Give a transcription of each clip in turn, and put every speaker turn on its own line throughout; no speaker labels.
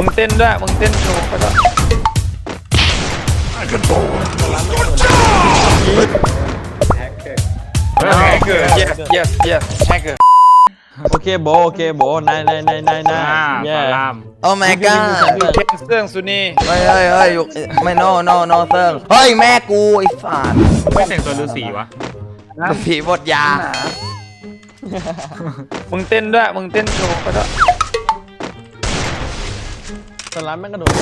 มึงเต้นด้วยมึงเต้นโชว์ไปด้วยแฮกเกอร์ yes yes แฮกเกอร์
โอเคโบนาย
ปลาลาม
โอ้ my god
เต้นเสื่องสุนี
เฮ้ยไม่ no เซิร์งเฮ้ยแม่กูไอ้สัตว์
ไม่แต่งตัวฤาษีวะ
ผีบทยา
มึงเต้นด้วยมึงเต้นโชว์ไปด้วย
สลัมแม่งกระโดด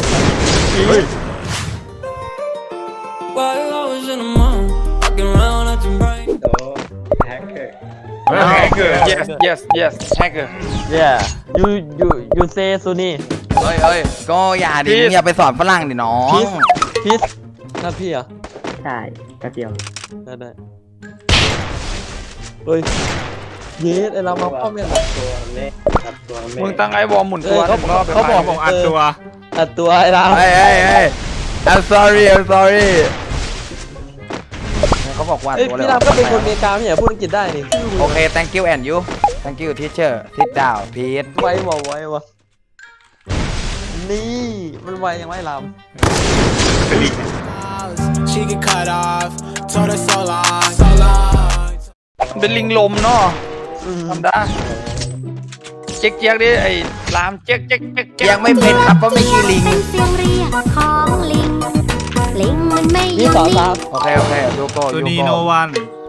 While I was in the mall, walking around acting bright.
แฮกเกอร์ yes แฮกเกอร์
yeah you say ซูนี่
เฮ้ยก็อย่าดิมึงอย่าไปสอนฝรั่งดิน้อง
พีซนั่นพี่เหรอ
ใช่แป๊บเดียว
ได้เฮ้ยเยสไอ้เรามาพ่อเมียหลับ
มึงตั้งไอ้บอลหมุนตัว
เขาบอก
ผมอัดตัว
อัดตัวไอ้เรา
เฮ้ย I'm sorry เขาบอกว่า
เอ้ย
ตัวเลย
พี่รามก็เป็นคนอเมริกาไม่ใช่พูดอังกฤษได้นี่
โอเค thank you and you thank you teacher sit down please
ไววะนี่มันไวยังไงราม
She get cut off, told her so long.
เป็นลิงลมเนาะทำได้เจ๊กดิไอ้ลามเจ๊ก
ยังไม่เป็นครับเพราะไม่ใช่ลิง
เป็นเสียงเรียกของลิง ลิงมันไม่ย
นี่
อม
สอน
นิ่
สาง ว
โอเคดูโก้
ตัว
ดู
นี้
โก้
โนวัน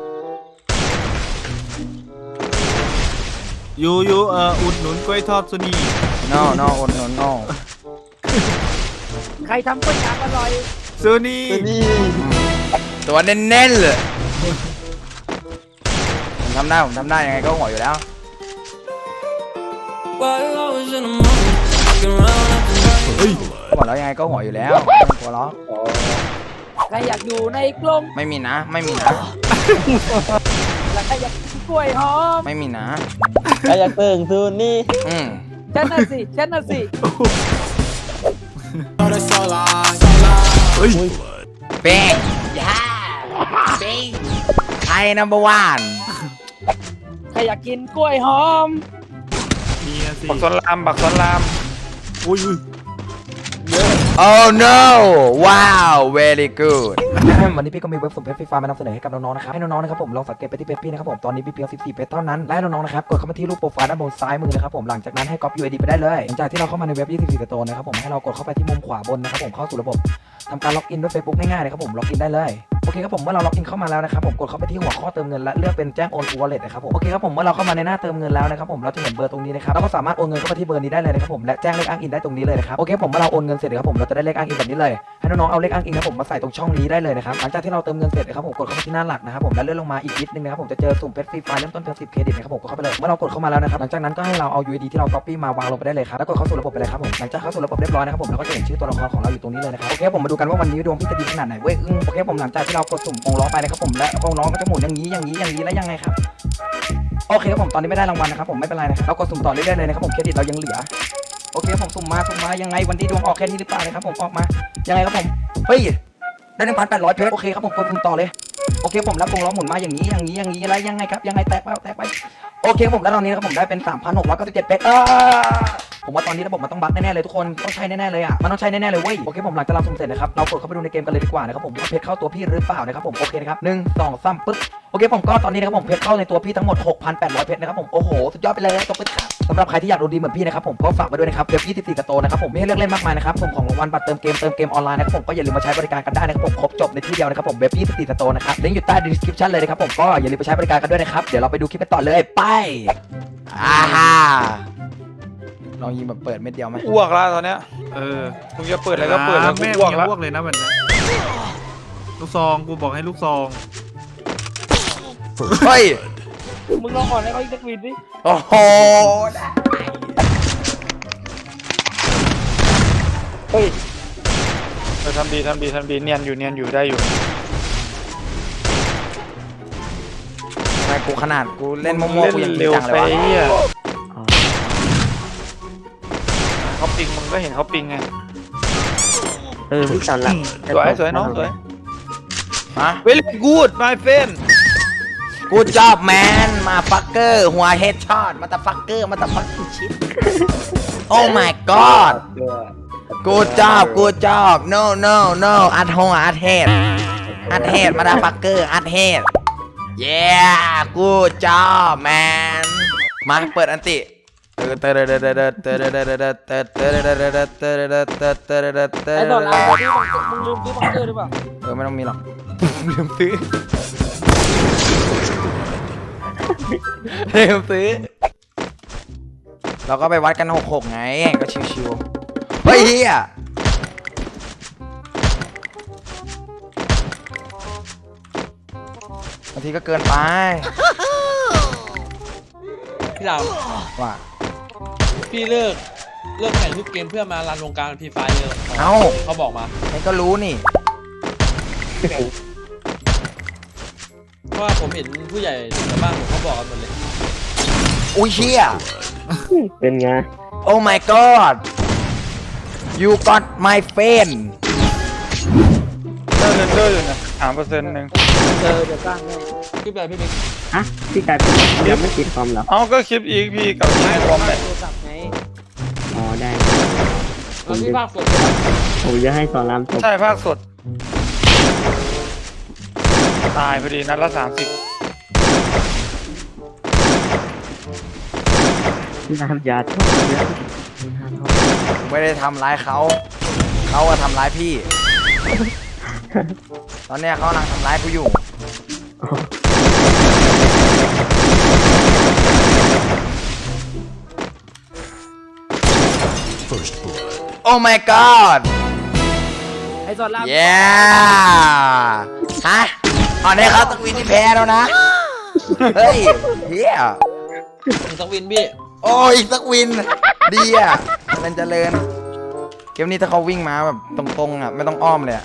ยูอุดหนุนกล้วยทอดซูนี่
no โอน no
ใครทำก๋วยจั๊บอร่อย
ซูนี่
นี่
ตัวเน้นๆเลยผมทำได้ยังไงก็หัวอยู่แล้ว
While I was in the mall, walking around acting bright.
บอกแล้วยังไงก็หัวอยู่แล้วหัวล้อ
ใครอยากอยู่ในกลม
ไม่มีนะ
และใครอยากกินกล้วยหอม
ไม่มีนะ
ใครอยากเติ่งซูนี่
ฉันน่ะสิ
Told her so long.
เป้งไทยnumber one
ใครอยากกินกล้วยหอม
มีสิ
บักสอนราม
อุ้ย
oh no wow very good วันนี้พี่ก็มีเว็บสุ่มเพชรฟรีไฟล์มานำเสนอให้กับน้องๆนะครับให้น้องๆนะครับผมลองสังเกตไปที่เพจพี่นะครับผมตอนนี้มีเพียง14เพจเท่านั้นและน้องๆนะครับกดเข้ามาที่รูปโปรไฟล์ด้านบนซ้ายมือนะครับผมหลังจากนั้นให้ก๊อป UID ไปได้เลยหลังจากที่เราเข้ามาในเว็บ24 Store นะครับผมให้เรากดเข้าไปที่มุมขวาบนนะครับผมเข้าสู่ระบบทำการล็อกอินด้วย Facebook ง่ายๆเลยครับผมล็อกอินได้เลยโอเคครับผมเมื่อเราล็อกอินเข้ามาแล้วนะครับผมกดเข้าไปที่หัวข้อเติมเงินและเลือกเป็นแจ้งโอน Wallet นะครับผมโอเคครับผมเมื่อเราเข้ามาในหน้าเติมเงินแล้วนะครับผมเราจะเห็นเบอร์ตรงนี้นะครับเราก็สามารถโอนเงินเข้าไปที่เบอร์นี้ได้เลยนะครับผมและแจ้งเลขอ้างอินได้ตรงนี้เลยนะครับโอเคผมเมื่อเราโอนเงินเสร็จครับผมเราจะได้เลขอ้างอินแบบนี้เลยให้น้องๆเอาเลขอ้างอินครับผมมาใส่ตรงช่องนี้ได้เลยนะครับหลังจากที่เราเติมเงินเสร็จนะครับผมกดเข้าไปที่หน้าหลักนะครับผมและเลื่อนลงมาอีกนิดนึงนะครับผมจะเจอสุ่มเพชรฟรีไฟล์เริ่มต้นเพียง10เครดิตนะครับผมกดเข้าไปเลยเมื่อเรากดเข้ามาแล้วนะครับหลังจากนั้นก็ให้เราเอา UID ที่เรา copy มาวางลงไปได้เลยครับแล้วกดเข้าสู่ระบบไปเลยครับผมหลังจากเข้าสู่ระบบเรียบร้อยนะครับผมเราก็จะเห็นชื่อตัวละครของเราอยู่ตรงนี้เลยนะครับโอเคผมมาดูกันว่าวันนี้ดวงพี่จะดีขนาดไหนเว้ยโอเคผมหลังจากที่เรากดสุ่มวงล้อไปนะครับผมและวงล้อก็จะหมุนอย่างนี้แล้วยังไงครับโอเคครับผมตอนนี้ไม่ได้รางวัลนะครับผมไม่เป็นไรนะครับเรากดสุ่มต่อเรื่อยๆเลยนะครับผมเครดิตเรายังเหลือโอเคผมสุ่มมายังไงวันที่ดวงออกแค่นี้หรือเปล่านะครับผมออกมายังไงครับผมเฮ้ยได้ 1,800 เพชรโอเคครับผมกดสุ่มต่อเลยโอเคผมรับวงล้อหมุนมาอย่างนี้แล้วยังไงครับยังไงแตกไปโอเคผมแล้วตอนนี้นะครับผมได้เป็น 3,697 เพชรผมว่าตอนนี้ระบบมันต้องบั๊กแน่ๆเลยทุกคนต้องใช้แน่ๆเลยอ่ะมันต้องใช้แน่ๆเลยเว้ยโอเคผมหลังจากเราสุ่มเสร็จนะครับเรากดเข้าไปดูในเกมกันเลยดีกว่านะครับผมว่าเพชรเข้าตัวพี่หรือเปล่านะครับผมโอเคนะครับ1 2 3ปึ๊บโอเคผมก็ตอนนี้นะครับผมเพชรเข้าในตัวพี่ทั้งหมด 6,800 เพชรนะครับผมโอ้โหสุดยอดไปเลยตบมือครับสำหรับใครที่อยากดูดีเหมือนพี่นะครับผมก็ฝากไว้ด้วยนะครับเว็บ24 Store นะครับผมมีให้เลือกเล่นมากมายนะครับผมของรางวัลบัตรเติมเกมออนไลน์นะครับผมก็อย่าลืมมาใช้บริการกันได้นะครับผมครบจบในที่เดียวนะครับผมเว็บ24 Store นะครับลิงก์อยู่ใต้ description เลยนะครับผมก็อย่าลืมไปใช้บริการกันด้วยนะครับเดี๋ยวเราไปดูคลิปกันต่อเลยไปลองยิงแบบเปิดเม็ดเดียวไหม
อ้วกแล้วตอนเนี้ยมึงจะเปิดอะไรก็เปิดแล้วกู
แม่
อ้วกแล้ว
อ้วกเลยนะมันลูกซองกูบอกให้ลูกซอง
เฮ้ย
มึงลองอ่อนให้เขาอีกสักวินดิ
โอ้โห
เฮ้ยทำดีเนียนอยู่ได้อยู่
ทำไมกูขนาดกูเล่นมั่วๆกูยังจริ
เร็
ง
ว
จังเล
ไป
ยวะ
เขาปิงมึงก็เห็นเขาปิงไง
พี่สอนละ
สวยน้องสวย
ฮะ
very good my friend
กูจอบแมนมาฟักเกอร์หัวเฮดช็อตมาตาฟักเกอร์ชิตโอ้ my god Good job no อัดหัวอัดเฮดมาดาฟักเกอร์อัดเฮด yeah good job man มาเปิดอันติ
ไอ้ตอนเราที่มึงลืมซื้อบังเกอร์หรือเปล่า
ไม่ต้องมีหรอก ลืมซื้อเราก็ไปวัดกัน6-6ไงก็ชิวๆเฮ้ยเฮียบางทีก็เกินไป
พี่ดาว
ว่า
พี่เลิกแข่งทุกเกมเพื่อมารันวงการฟรีไฟเลย
เอ้า
เขาบอกมา
นี่ก็รู้นี่
เพราะว่าผมเห็นผู้ใหญ่ในบ้านผมเขาบอกกันหมดเลย
อุ้ยเชี่ย
เป็นไง
Oh my god you got my friend
เลิกอยู่นะ3%นึง
เดี๋ยวสร้างให้พี่ไปพี่บิ๊ก
ฮะพี่กายยังไม่ติดคอมเหรอ
เอาก็คลิปอีกพี่กับพี่พร้อมเลย
โทรศัพท์ไง
อ๋อได้
แล้วพี่ภาคสด
ผมจะให้สอนรามจบ
ใช่ภาคสด ตายพอดีนัดละ30
พี่ทำยาชอบเยอะ
ไม่ได้ทำร้ายเขาอะทำร้ายพี่ ตอนเนี้ยเขากำลังทำร้ายกูอยู่ Oh my god
ไอ้สอนราม
yeah ฮะตอนนี้เขาต้องวินที่แพ้แล้วนะ เฮ้ยเฮีย
สักวินพี่
โอ้ยสักวิน ดีอ่ะมันเจริญ เกมนี้ถ้าเขาวิ่งมาแบบตรงๆอ่ะไม่ต้องอ้อมเลยอ่ะ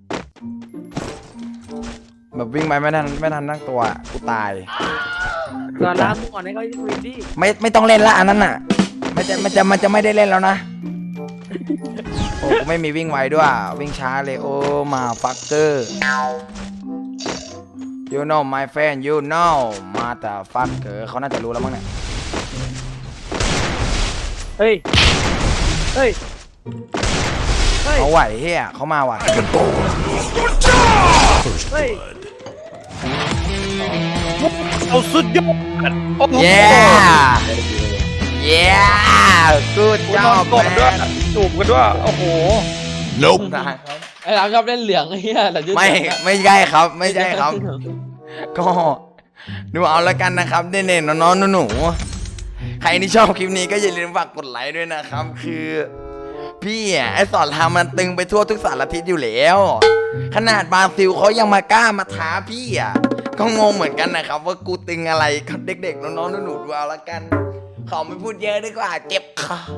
แบบวิ่งไปไม่ทันตั้งตัวอะกูตาย
สอนรามมึงก่อนให้เขาวินดิ
ไม่ต้องเล่นละอันนั้นอ่ะมันจะไม่ได้เล่นแล้วนะ โอ้กูไม่มีวิ่งไวด้วย วิ่งช้าเลยโอ้มาฟักเกอร์ you know my friend you know มาแต่ฟักเกอร์เขาน่าจะรู้แล้วมั้งเนี่ย
เฮ้ยเฮ้ย
เขาไหวเฮียเขามาว่ะ
เฮ้ย
เอาสุดยอดโอ้โห
yeah good
นอน
job
กดด้วย
man
จูบกันด้วยโอ้โห
ไอ้รามชอบเล่นเหลืองไอ้เหี้ยแต่ยืด
ไม่ใช่ครับไม่ใช่ครับ ก็ดูเอาละกันนะครับเน่ๆน้องๆหนูๆใครที่ชอบคลิปนี้ก็อย่าลืมฝากกดไลค์ด้วยนะครับคือพี่ไอ้สอนรามมันตึงไปทั่วทุกสารทิศอยู่แล้วขนาดบราซิลเขายังมากล้ามาท้าพี่อ่ะก็งงเหมือนกันนะครับว่ากูตึงอะไรกับเด็กๆน้องๆหนูๆดูเอาละกันขอไม่พูดเยอะดีกว่าเจ็บคอ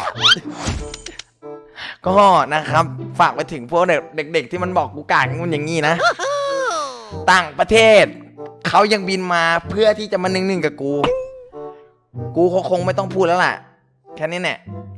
ก็นะครับฝากไปถึงพวกเด็กๆที่มันบอกกูกากงูอย่างงี้นะต่างประเทศเขายังบินมาเพื่อที่จะมา1-1กับกูคงไม่ต้องพูดแล้วล่ะแค่นี้แหละ